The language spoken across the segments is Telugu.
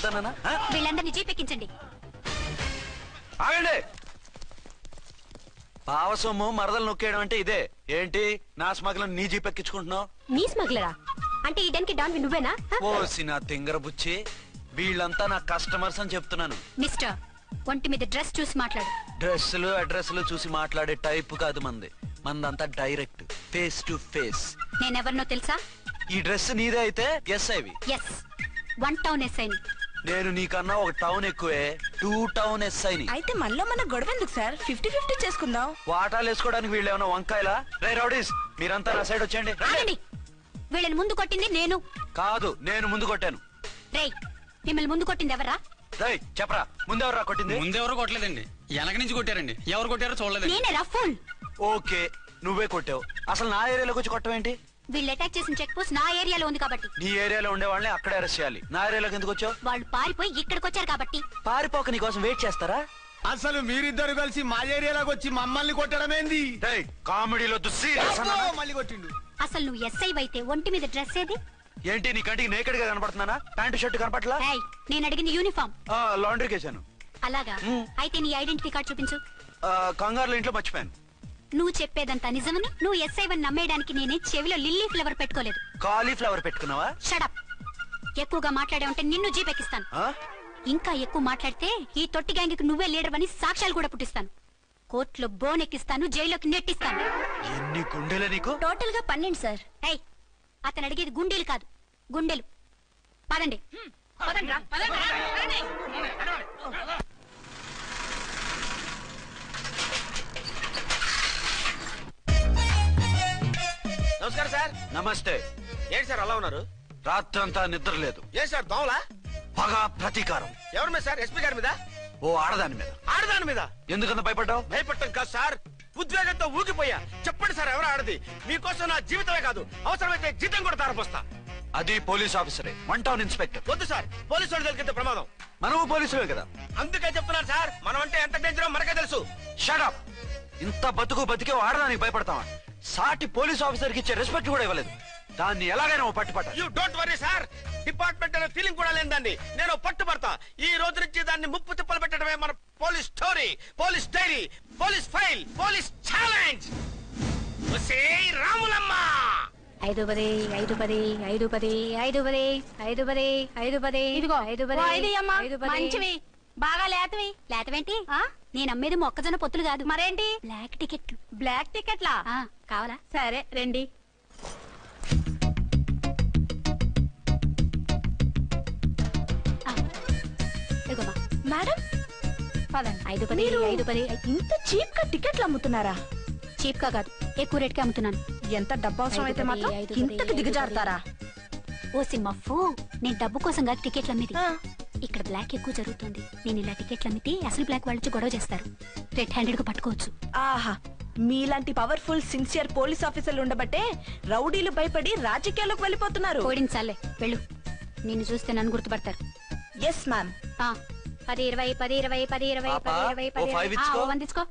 వద్దనా? వీళ్ళందరినీ జీపెక్కించండి. ఆగండి. పావసొమ్ము మరదలు నొక్కేయడం అంటే ఇదే ఏంటి? నా స్మగ్లర్ నీ జీపెక్కించుకుంటున్నావు? నీ స్మగ్లరా అంటే ఈ డెన్కి డాన్ నువ్వేనా? ఓసి నా తింగర బుచ్చి, వీళ్ళంతా నా కస్టమర్స్ అని చెప్తున్నాను. మిస్టర్, ఒంటి మీద డ్రెస్ చూసి మాట్లాడు. డ్రెస్సులు అడ్రస్లు చూసి మాట్లాడే టైప్ కాదు మంది. మందంతా డైరెక్ట్, ఫేస్ టు ఫేస్. నేనెవరినో తెలుసా? ఈ డ్రెస్ నీదే అయితే ఎస్ఐవి. ఎస్, 1 టౌన్ ఎస్ఐని. నేను నీకన్నా ఒక టౌన్ ఎక్కువే, 2 టౌన్ ఎస్ఐని. అయితే మనలో మన గొడవ ఎందుకు సార్? 50-50 చేసుకుందాం. వాటాలు వేసుకోవడానికి వీళ్ళు ఏమైనా వంకాయలా? రే రౌడీస్, మీరంతా నా సైడ్ వచ్చేయండి. వీళ్ళని ముందు కొట్టింది నేను కాదు, నేను ముందు కొట్టాను. రేయ్, మిమ్మల్ని ముందు కొట్టింది ఎవరా? రేయ్ చెప్పరా, ముందెవరా కొట్టింది? ముందెవరో కొట్టలేదండి, వెనక నుంచి కొట్టారండి. ఎవరు కొట్టారో చూడలేదు. నేనేరా ఫుల్. ఓకే, నువ్వే కొట్టావు. అసలు నా ఏరియాలోకి వచ్చి కొట్టవేంటి? వీళ్ళు అటాక్ చేసిన చెక్ పోస్ట్ నా ఏరియాలో ఉంది కాబట్టి. నీ ఏరియాలో ఉండే వాళ్ళని అక్కడే అరెస్ట్ చేయాలి. నా ఏరియాలోకి ఎందుకు వచ్చావు? వాళ్ళు పారిపోయి ఇక్కడికి వచ్చారు కాబట్టి. పారిపోక నీ కోసం వెయిట్ చేస్తారా? అసలు మీరిద్దరు కలిసి మా ఏరియాలోకి వచ్చి మమ్మల్ని కొట్టడమేంది? కామెడీలో మళ్ళీ కొట్టిండు. అసలు నువ్వు ఎస్ఐ అయితే ఒంటి మీద డ్రెస్ ఏది? ఏంటి నీ కంటికి నేకెడ్ గా కనపడుతున్నానా? Pant shirt కనపట్లా? నేను అడిగింది యూనిఫామ్. లాండ్రీకి వేసాను. అలాగా? అయితే నీ ఐడెంటిటీ కార్డ్ చూపించు. కంగారులో ఇంట్లో మర్చిపోయాను. నువ్వు చెప్పేదంతా నిజమని నువ్వు ఎస్ఐ వని నమ్మేయడానికి నేనే చెవిలో లిల్లీ ఫ్లవర్ పెట్టుకోలేదు. కాలీఫ్లవర్ పెట్టుకున్నావా? షడప్. ఎక్కువగా మాట్లాడే ఉంటే నిన్ను జీపెక్కిస్తాను. ఇంకా ఎక్కువ మాట్లాడితే ఈ తొట్టి గ్యాంగ్కి నువ్వే లీడర్ అని సాక్ష్యాలు కూడా పుట్టిస్తాను. కోర్టులో బోన్ ఎక్కిస్తాను, జైల్లోకి నెట్టిస్తాను. ఎన్ని గుండెలు నీకు? టోటల్ గా 12 సార్. అతను అడిగేది గుండెలు కాదు, గుండెలు. పదండి. నమస్కారం సార్. నమస్తే. ఏంటి సార్ అలా ఉన్నారు? రాత్రంతా నిద్ర లేదు. ఏ సార్ దోమలా? పగ ప్రతీకారం. ఎవరి మీద సార్? ఎస్పీ గారి మీద? ఓ ఆడదాని మీద. ఆడదాని మీద? ఎందుకంత భయపడ్డావు? భయపడటం కాదు సార్, ఉద్వేగంతో ఊగిపోయా. చెప్పండి సార్, ఎవరు ఆడది? మీకోసం నా జీవితమే కాదు, అవసరమైతే జీతం కూడా తారపోస్తా. అది పోలీస్ ఆఫీసరే, 1 టౌన్ ఇన్స్పెక్టర్. వద్దు సార్, పోలీసు వాళ్ళు తెలికితే ప్రమాదం. మనము పోలీసులే కదా. అందుకే చెప్తున్నాను సార్, మనం అంటే ఎంత డేంజరో మనకే తెలుసు. షట్. ఇంత బతికే ఆడదానికి భయపడతావా? సాటి పోలీస్ ఆఫీసర్ కి ఇచ్చే రెస్పెక్ట్ కూడా ఇవ్వలేదు. దాన్ని ఎలాగైనా పట్టుపట్ట. You don't worry sir, department అనే ఫీలింగ్ కూడా లేని దాన్ని నేను పట్టుపడతా. ఈ రోజు నుంచి దాన్ని ముప్పు తిప్పలు పెట్టడమే మన police story, police diary, police file, police challenge. Ramulamma 5 10 5 10 5 10 5 10 5 10 5 10 ఇదిగో 5 10 మంచివి, బాగా లేతవి. లేతవేంటి? నేను అమ్మేది మొక్కజొన్న పొత్తులు కాదు. మరేంటి? బ్లాక్ టికెట్లు. బ్లాక్ టికెట్లా? కావాలా? సరే రండి. మేడం 5 10 5 10. ఇంత చీప్ గా టికెట్లు అమ్ముతున్నారా? చీప్ గా కాదు, ఎక్కువ రేట్ కి అమ్ముతున్నాను. ఎంత డబ్బు అవసరం అయితే మాత్రం ఇంతకు దిగజారుతారా? ఓ సిమ్మఫు, నేను డబ్బు కోసం కాదు టికెట్లు అమ్మేది. ఇక్కడ బ్లాక్ ఎక్కువ జరుగుతుంది. నేను ఇలా టికెట్లు అమ్మితే అసలు బ్లాక్ వాళ్ళు గొడవ చేస్తారు, రెడ్ హ్యాండెడ్ గా పట్టుకోవచ్చు. ఆహా, మీలాంటి పవర్ఫుల్ సిన్సియర్ పోలీస్ ఆఫీసర్లు ఉండబట్టే రౌడీలు భయపడి రాజకీయాల్లోకి వెళ్ళిపోతున్నారు. ఓడించాలే, వెళ్ళు. నిన్ను చూస్తే నన్ను గుర్తుపడతారు. Yes ma'am. 10 20 10 20 10 20 10 20 వందించుకో.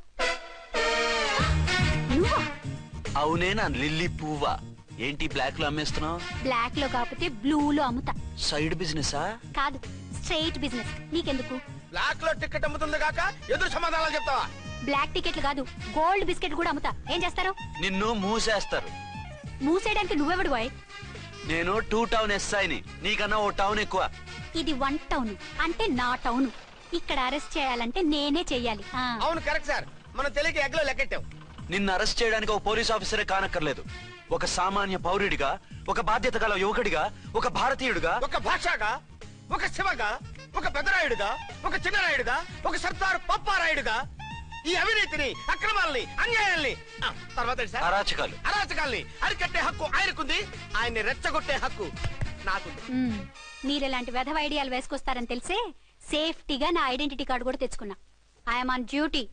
అవునే నా లిల్లీ పువ్వా? ఏంటి బ్లాక్ లో అమ్మేస్తున్నావు? బ్లాక్ లో కాకపోతే బ్లూ లో అమ్ముతా. సైడ్ బిజినెస్ కాదు, స్ట్రైట్ బిజినెస్. నీకెందుకు? బ్లాక్ లో టికెట్ అమ్ముతుంది కాక ఎదురు సమాధానాలు చెప్తావా? బ్లాక్ టికెట్లు కాదు, గోల్డ్ బిస్కెట్ కూడా అమ్ముతా. ఏం చేస్తారు? నిన్ను మూసేస్తారు. మూసేయడానికి నువ్వెవడు బాయ్? నేను 2 టౌన్ ఎస్ఐని, నీకన్నా ఓ టౌన్ ఎక్కువ. ఇది 1 టౌన్ అంటే నా టౌన్. ఇక్కడ అరెస్ట్ చేయాలంటే నేనే చెయ్యాలి. అవును కరెక్ట్ సార్, మనం తెలియక ఎగ్లో లెక్కెట్టాం. నిన్ను అరెస్ట్ చేయడానికి ఒక పోలీస్ ఆఫీసరే కానక్కర్లేదు. ఒక సామాన్య పౌరుడిగా, ఒక బాధ్యత గల యువకుడిగా, ఒక భారతీయుడిగా, ఒక భాషగా, ఒక శివగా, ఒక పెద్దరాయుడుగా, ఒక చిన్నరాయుడుగా, ఒక సర్దార్ పప్పారాయుడుగా ఈ అవినీతిని, అక్రమాలని, అన్యాయాల్ని, తర్వాత అరాచకాల్ని అరికట్టే హక్కు ఆయనకుంది. ఆయన్ని రెచ్చగొట్టే హక్కు నాకుంది. మీరెలాంటి వెధవ ఐడియాలు వేసుకొస్తారని తెలిసే సేఫ్టీగా నా ఐడెంటిటీ కార్డు కూడా తెచ్చుకున్నా. I'm on duty.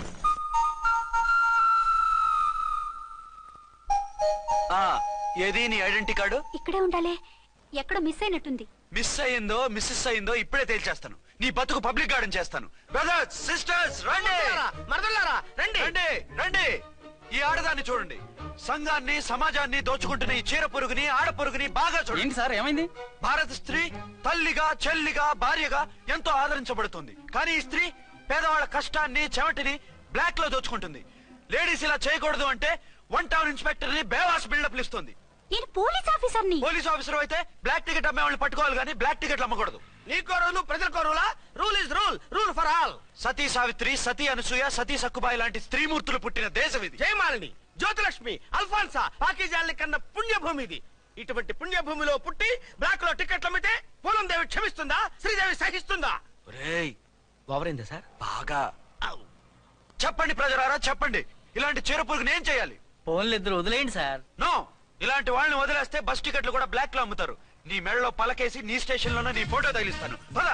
ఏది నీ ఐడెంటిటీ కార్డు? ఇక్కడే ఉండాలి, ఎక్కడో మిస్ అయినట్టుంది. మిస్ అయిందో మిస్సెస్ అయిందో ఇప్పుడే తేల్చేస్తాను. నీ బతుకు పబ్లిక్ గార్డెన్ చేస్తాను. బ్రదర్స్ సిస్టర్స్ రండి, మరదలారా రండి, రండి రండి. ఈ ఆడదాన్ని చూడండి, సంఘాన్ని సమాజాన్ని దోచుకుంటున్న ఈ చీర పురుగుని ఆడ పురుగుని బాగా చూడండి. ఏంటి సార్ ఏమైంది? భారత స్త్రీ తల్లిగా చెల్లిగా భార్యగా ఎంతో ఆదరించబడుతుంది. కానీ ఈ స్త్రీ పేదవాళ్ళ కష్టాన్ని చెమటిని బ్లాక్ లో దోచుకుంటుంది. లేడీస్ ఇలా చేయకూడదు అంటే 1 టౌన్ ఇన్స్పెక్టర్ ని బేవాస్ బిల్డప్ ఇస్తుంది. నేను పోలీస్ ఆఫీసర్ని. పోలీస్ ఆఫీసర్ అయితే బ్లాక్ టికెట్ అమ్మే వాళ్ళని పట్టుకోవాలి కానీ బ్లాక్ టికెట్లు అమ్మకూడదు. నీకో రూలు ప్రజలకో రూలా? Rule is rule, rule for all. Sati Savitri, Sati Anasuya, Sati Sakkubai లాంటి స్త్రీమూర్తులు పుట్టిన దేశం ఇది. జయమాలిని, జ్యోతిలక్ష్మి, అల్ఫాన్సా, పాకిజాల్ని కన్న పుణ్యభూమి ఇది. ఇటువంటి పుణ్యభూమిలో పుట్టి బ్లాక్ లో టికెట్లు అమ్మితే పూలం దేవి క్షమిస్తుందా? శ్రీదేవి సహిస్తుందా? ఒరేయ్, ఓవరైందా సార్? బాగా చెప్పండి ప్రజలారా, చెప్పండి. ఇలాంటి చీర పురుగుని ఏం చేయాలి? ఫోన్లు ఇద్దరు వదిలేయండి సార్. నో, ఇలాంటి వాళ్ళని వదిలేస్తే బస్ టికెట్లు కూడా బ్లాక్ లో అమ్ముతారు. నీ మెడలో పలకేసి నీ స్టేషన్ లోనే నీ ఫోటో తగిలిస్తాను. పద.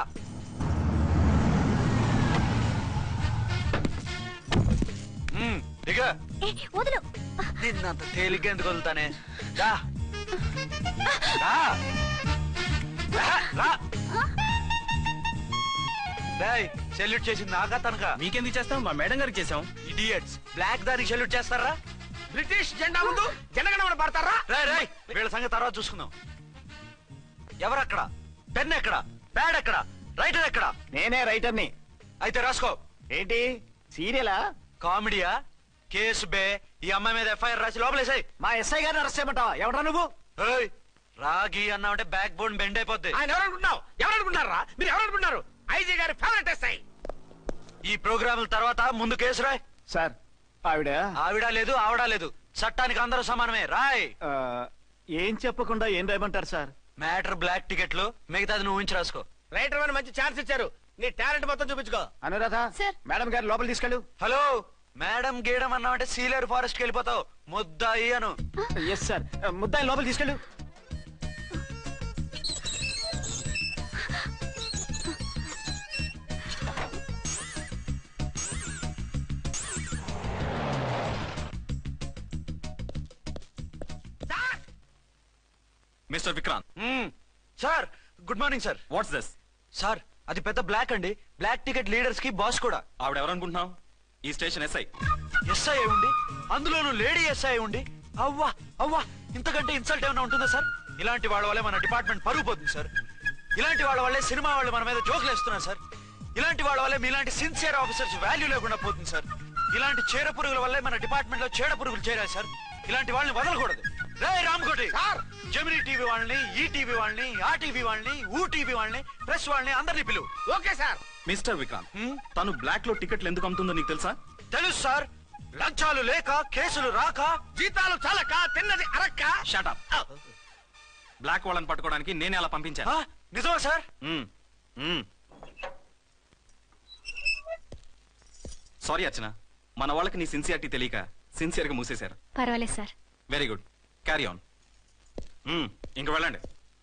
దిగ. వదులు. నిన్నంత తేలిగ్గా ఎందుకు వదులుతానే? రా. రా. రా. డేయ్, సెల్యూట్ చేసింది నాకా తనకా? మీకెందుకు చేస్తాం? మా మేడం గారికి చేసాం. ఇడియట్స్, బ్లాక్ దానికి సెల్యూట్ చేస్తారా? బ్రిటిష్ జెండా ముందు జనగణమన పడతారా? రాయ్ రాయ్, వీళ్ళ సంగతి తర్వాత చూసుకుందాం. ఎవరక్కడ? పెన్ ఎక్కడ? ప్యాడ్ ఎక్కడ? రైటర్ ఎక్కడ? నేనే రైటర్ని. అయితే రాసుకో. ఏంటి సీరియలా? కామెడీయా? కేసు బే. ఈ అమ్మాయి మీద ఎఫ్ఐఆర్ రాసి లోపలేసాయి. మా ఎస్ఐ గారిని అరెస్ట్ చేయమంటావా? ఎవడా నువ్వు? ఏయ్, రాగి అన్నావంటే బ్యాక్ బోన్ బెండ్ అయిపోద్ది. ఆయన ఎవరనుకుంటున్నావు? ఎవరనుకుంటున్నారా మీరు? ఎవరనుకుంటున్నారు? ఐజీ గారి ఫేవరెట్ ఎస్ఐ. ఈ ప్రోగ్రాముల తర్వాత ముందు కేసు రాయ్. సార్ ఆవిడ ఆవిడ లేదు ఆవిడ లేదు, చట్టానికి అందరూ సమానమే. రాయ్. ఏం చెప్పకుండా ఏం రాయమంటారు సార్? మ్యాటర్ బ్లాక్ టికెట్లు, మిగతాది నువ్వు ఊహించి రాసుకో. రైటర్ అని మంచి ఛాన్స్ ఇచ్చారు. నీ టాలెంట్ మొత్తం చూపించుకో. అనురాధ సార్. మేడం గారు లోపల తీసుకెళ్ళు. హలో, మేడం గీయడం అన్నావంటే సీలేరు ఫారెస్ట్ కి వెళ్ళిపోతావు. ముద్దాయి అను. ఎస్ సార్, ముద్దాయి లోపల తీసుకెళ్ళు. Mister Vikrant, sir, good morning sir. What's this? Sir, అది పెద్ద బ్లాక్ అండి. బ్లాక్ టికెట్ లీడర్స్ కి బాస్ కూడా. ఆవిడ ఎవరనుకుంటున్నావు? ఈ స్టేషన్ ఎస్ఐ. ఎస్ఐ ఉండి, అందులోనూ లేడీ ఎస్ఐ ఉండి, అవ్వా అవ్వా, ఇంతకంటే ఇన్సల్ట్ ఏమైనా ఉంటుందా సార్? ఇలాంటి వాళ్ళ వల్లే మన డిపార్ట్మెంట్ పరుగు పోతుంది సార్. ఇలాంటి వాళ్ళ వల్లే సినిమా వాళ్ళు మన మీద జోకులు వేస్తున్నారు సార్. ఇలాంటి వాళ్ళ వల్లే మీలాంటి సిన్సియర్ ఆఫీసర్స్ వాల్యూ లేకుండా పోతుంది సార్. ఇలాంటి చీడ పురుగుల వల్లే మన డిపార్ట్మెంట్ లో చీడ పురుగులు చేరాయి సార్. ఇలాంటి వాళ్ళని వదలకూడదు. రే రామకోటి సార్, జమినీ టీవీ వాళ్ళని, ఈ టీవీ వాళ్ళని, ఆ టీవీ వాళ్ళని, ఊ టీవీ వాళ్ళని, ప్రెస్ వాళ్ళని అందరినీ పిలువు. Okay sir. మిస్టర్ విక్రాంత్, తను బ్లాక్ లో టికెట్లు ఎందుకు అమ్ముతుందో నీకు తెలుసా? తెలుసు సార్. లంచాలు లేక, కేసులు రాక, జీతాలు చాలక, తిన్నది అరక్క. షటప్. బ్లాక్ వాళ్ళని పట్టుకోవడానికి నేనే అలా పంపించాను. నిజమా సార్? సారీ అర్చన, మన వాళ్ళకి నీ సిన్సియారిటీ తెలియక సిన్సియర్ గా మూసేశారు. పర్వాలేదు సార్. Very good, carry on. ఇంక వెళ్ళండి.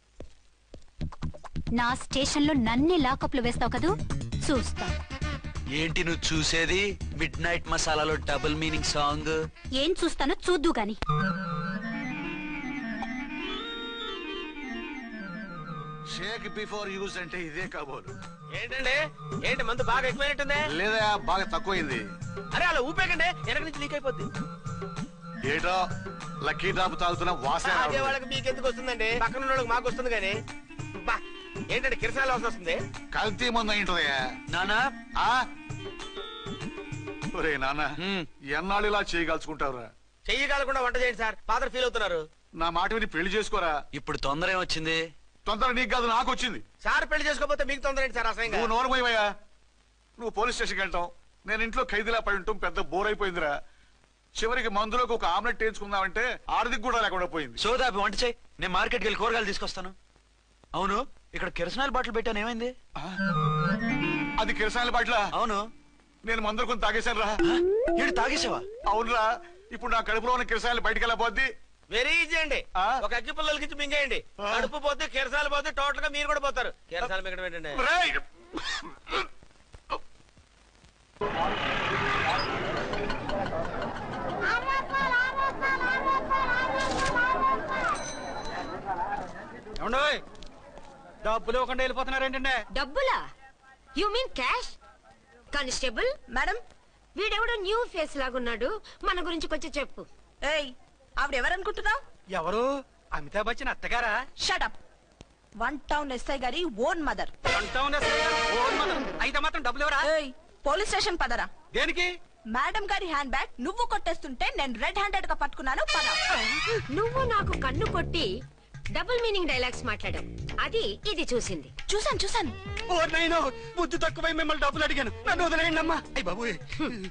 నా స్టేషన్ లో నన్నే లాకప్ లో వేస్తావు కదూ, చూస్తా. ఏంటి నువ్వు చూసేది? మిడ్ నైట్ మసాలాలో డబుల్ మీనింగ్ సాంగ్. ఏం చూస్తానో చూద్దు గాని. షేక్ బిఫోర్ యూజ్ అంటే ఇదే కాబోలు. ఏంటండి, ఏంటి మందు బాగా ఎక్కువైనట్టుందే? లేదా బాగా తక్కువైంది. అరే అలా ఊపేకండి, వెనక నుంచి లీక్ అయిపోద్ది. ఏటో లక్కీ డ్రాప్ తాగుతున్న వాసన అదే రావడం. వాళ్ళకి మీకు ఎందుకు వస్తుందండి? పక్కన ఉన్న వాళ్ళకి మాకు వస్తుంది కానీ. బా, ఏంటంటే కిరసాల వాసన వస్తుంది. కల్తీ ముందు ఏంటోయా నానా? ఒరే నాన్న, ఎన్నాళ్ళు ఇలా చేయగలుచుకుంటావురా? చెయ్యగలకుండా వంట చేయండి సార్, ఫాదర్ ఫీల్ అవుతున్నారు. నా మాట విని పెళ్లి చేసుకోరా. ఇప్పుడు తొందర ఏమొచ్చింది? తొందర నీకు కాదు, నాకు వచ్చింది. సార్ పెళ్లి చేసుకోకపోతే మీకు తొందర ఏంటి సార్? అసహ్యంగా. నువ్వు నోరు పోయివయ్యా. నువ్వు పోలీస్ స్టేషన్కి వెళ్తాం, నేను ఇంట్లో ఖైదీలా పడి ఉంటాం. పెద్ద బోర్ అయిపోయిందిరా. చివరికి మందులోకి ఒక ఆమ్లెట్ వేయించుకుందామంటే ఆర్థిక కూడా లేకుండా పోయింది. సోదాపి వంట చేయి, నేను మార్కెట్కి వెళ్ళి కూరగాయలు తీసుకొస్తాను. అవును, ఇక్కడ కిరసనాయిల్ బాటిల్ పెట్టాను, ఏమైంది? అది కిరసాయల బాట్ల. అవును. నేను మందులు కొని తాగేశాను రా. ఏడు తాగేసావా? అవునురా. ఇప్పుడు నా కడుపులో ఉన్న కిరసాయలు బయటికి వెళ్ళబోద్ది. వెరీ ఈజీ అండి. ఒక అగ్గి పుల్లలకి ఇచ్చి మింగేయండి. కడుపు పోతే కిరసాలు పోతే టోటల్ గా మీరు కూడా పోతారు. కిరసాలు మింగడం ఏంటండి? రేయ్! డబ్బులు ఇవ్వకుండా వెళ్ళిపోతున్నారేంటండి? డబ్బులా? You mean cash? Constable madam, వీడెవడో న్యూ ఫేస్ లాగున్నాడు, మన గురించి కొంచెం చెప్పు. ఏయ్, ఆవిడ ఎవరనుకుంటున్నావు? ఎవరు? అమితాబ్ బచ్చన్ అత్తగారా? షటప్. 1 టౌన్ ఎస్ఐ గారి ఓన్ మదర్. అయితే మాత్రం డబ్బులు ఎవరా? పోలీస్ స్టేషన్ పదరా. దేనికి? మేడం గారి హ్యాండ్ బ్యాగ్ నువ్వు కొట్టేస్తుంటే నేను రెడ్ హ్యాండెడ్ గా పట్టుకున్నాను. పద. నువ్వు నాకు కన్ను కొట్టి డబుల్ మీనింగ్ డైలాగ్స్ మాట్లాడావు. అది ఇది చూసింది. చూసాను. ఓ నైనో, బుద్ధి తక్కువై మిమ్మల్ని డబ్బులు అడిగాను. నన్ను వదిలేయండి అమ్మా. అయ్య బాబు.